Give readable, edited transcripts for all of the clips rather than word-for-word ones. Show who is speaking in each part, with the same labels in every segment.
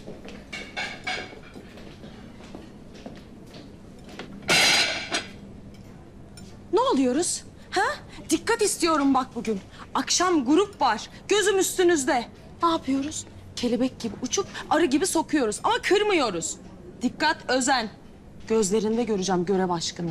Speaker 1: Ne oluyoruz? Ha? Dikkat istiyorum bak bugün. Akşam grup var. Gözüm üstünüzde. Ne yapıyoruz? Kelebek gibi uçup arı gibi sokuyoruz ama kırmıyoruz. Dikkat, özen. Gözlerinde göreceğim görev aşkını.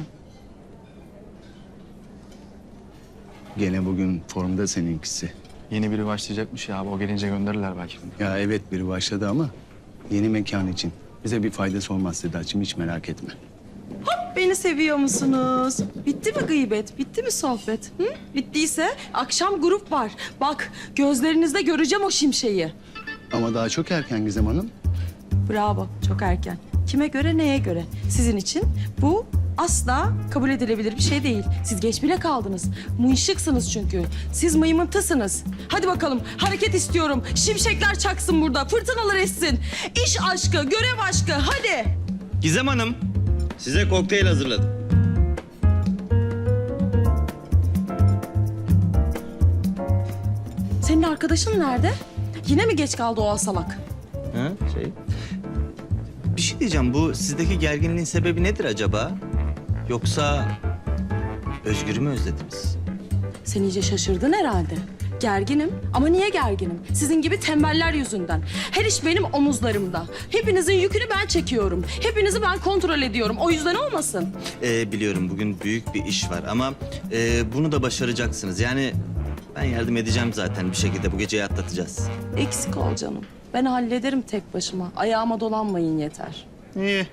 Speaker 2: Gene bugün formda seninkisi.
Speaker 3: Yeni biri başlayacakmış ya abi. O gelince gönderirler belki.
Speaker 2: Ya evet biri başladı ama yeni mekan için. Bize bir faydası olmaz Sedat'cığım, hiç merak etme.
Speaker 1: Beni seviyor musunuz? Bitti mi gıybet? Bitti mi sohbet? Hı? Bittiyse akşam grup var. Bak gözlerinizde göreceğim o şimşeği.
Speaker 2: Ama daha çok erken Gizem Hanım.
Speaker 1: Bravo, çok erken. Kime göre, neye göre? Sizin için bu asla kabul edilebilir bir şey değil. Siz geç bile kaldınız. Mıyışıksınız çünkü. Siz mıymıntısınız. Hadi bakalım, hareket istiyorum. Şimşekler çaksın burada, fırtınalar essin. İş aşkı, görev aşkı, hadi.
Speaker 4: Gizem Hanım, size kokteyl hazırladım.
Speaker 1: Senin arkadaşın nerede? Yine mi geç kaldı o asalak?
Speaker 4: Ha, Bir şey diyeceğim, bu sizdeki gerginliğin sebebi nedir acaba? Yoksa Özgür'ü mü özlediniz?
Speaker 1: Sen iyice şaşırdın herhalde. Gerginim ama niye gerginim? Sizin gibi tembeller yüzünden. Her iş benim omuzlarımda. Hepinizin yükünü ben çekiyorum. Hepinizi ben kontrol ediyorum. O yüzden olmasın.
Speaker 4: Biliyorum bugün büyük bir iş var ama bunu da başaracaksınız. Yani ben yardım edeceğim zaten, bir şekilde bu geceyi atlatacağız.
Speaker 1: Eksik ol canım. Ben hallederim tek başıma. Ayağıma dolanmayın yeter.
Speaker 4: İyi.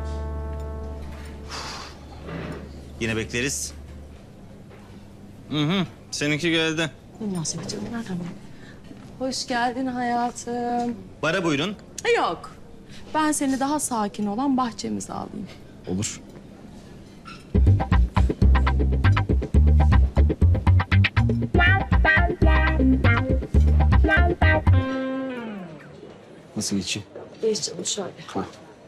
Speaker 4: Yine bekleriz. Seninki geldi.
Speaker 1: Münasebet canım, nereden bildin? Hoş geldin hayatım.
Speaker 4: Bara buyurun.
Speaker 1: Yok. Ben seni daha sakin olan bahçemize alayım.
Speaker 3: Olur. Nasıl geçeyim?
Speaker 1: Geç canım şöyle.
Speaker 3: Ha.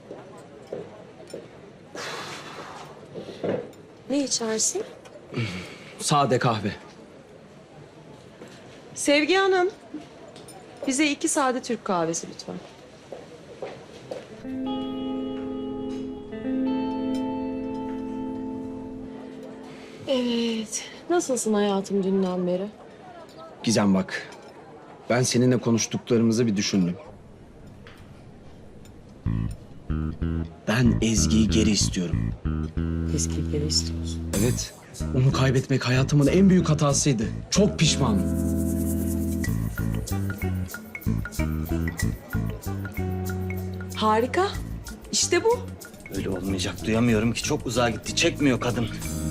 Speaker 1: Ne içersin?
Speaker 3: Sade kahve.
Speaker 1: Sevgi Hanım. Bize 2 sade Türk kahvesi lütfen. Evet. Nasılsın hayatım dünden beri?
Speaker 5: Gizem bak, ben seninle konuştuklarımızı bir düşündüm. Ben Ezgi'yi geri istiyorum.
Speaker 1: Eski geri istiyorsun.
Speaker 5: Evet, onu kaybetmek hayatımın en büyük hatasıydı. Çok pişmanım.
Speaker 1: Harika. İşte bu.
Speaker 4: Öyle olmayacak, duyamıyorum ki, çok uzağa gitti, çekmiyor kadın.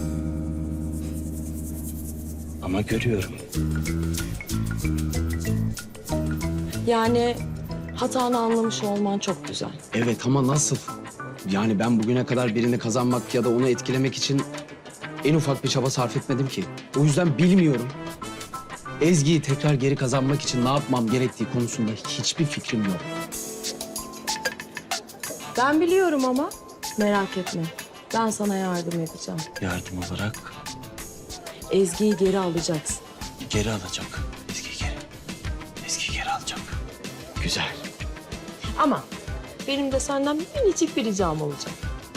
Speaker 4: Ama görüyorum.
Speaker 1: Yani hatanı anlamış olman çok güzel.
Speaker 5: Evet ama nasıl? Yani ben bugüne kadar birini kazanmak ya da onu etkilemek için en ufak bir çaba sarf etmedim ki. O yüzden bilmiyorum. Ezgi'yi tekrar geri kazanmak için ne yapmam gerektiği konusunda hiçbir fikrim yok.
Speaker 1: Ben biliyorum ama merak etme. Ben sana yardım edeceğim.
Speaker 4: Yardım olarak
Speaker 1: Ezgi'yi geri alacaksın.
Speaker 4: geri alacak. Ezgi geri. Ezgi geri alacak.
Speaker 5: Güzel.
Speaker 1: Ama benim de senden minicik bir ricam olacak.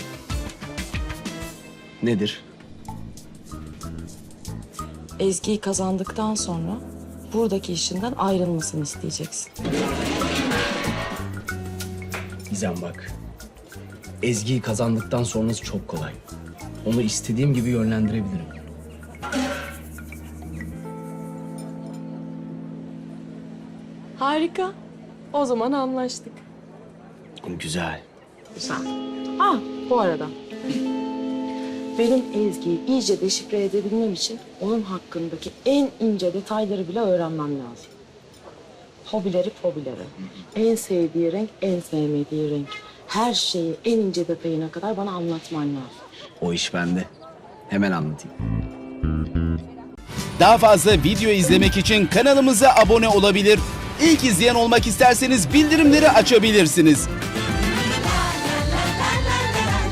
Speaker 5: Nedir?
Speaker 1: Ezgi'yi kazandıktan sonra buradaki işinden ayrılmasını isteyeceksin.
Speaker 5: Gizem bak. Ezgi'yi kazandıktan sonrası çok kolay. Onu istediğim gibi yönlendirebilirim.
Speaker 1: Harika. O zaman anlaştık.
Speaker 5: Güzel.
Speaker 1: Güzel. Ah, bu arada. Benim Ezgi'yi iyice deşifre edebilmem için onun hakkındaki en ince detayları bile öğrenmem lazım. Hobileri. En sevdiği renk, en sevmediği renk. Her şeyi en ince detayına kadar bana anlatman lazım.
Speaker 5: O iş bende. Hemen anlatayım.
Speaker 6: Daha fazla video izlemek için kanalımıza abone olabilir. İlk izleyen olmak isterseniz bildirimleri açabilirsiniz.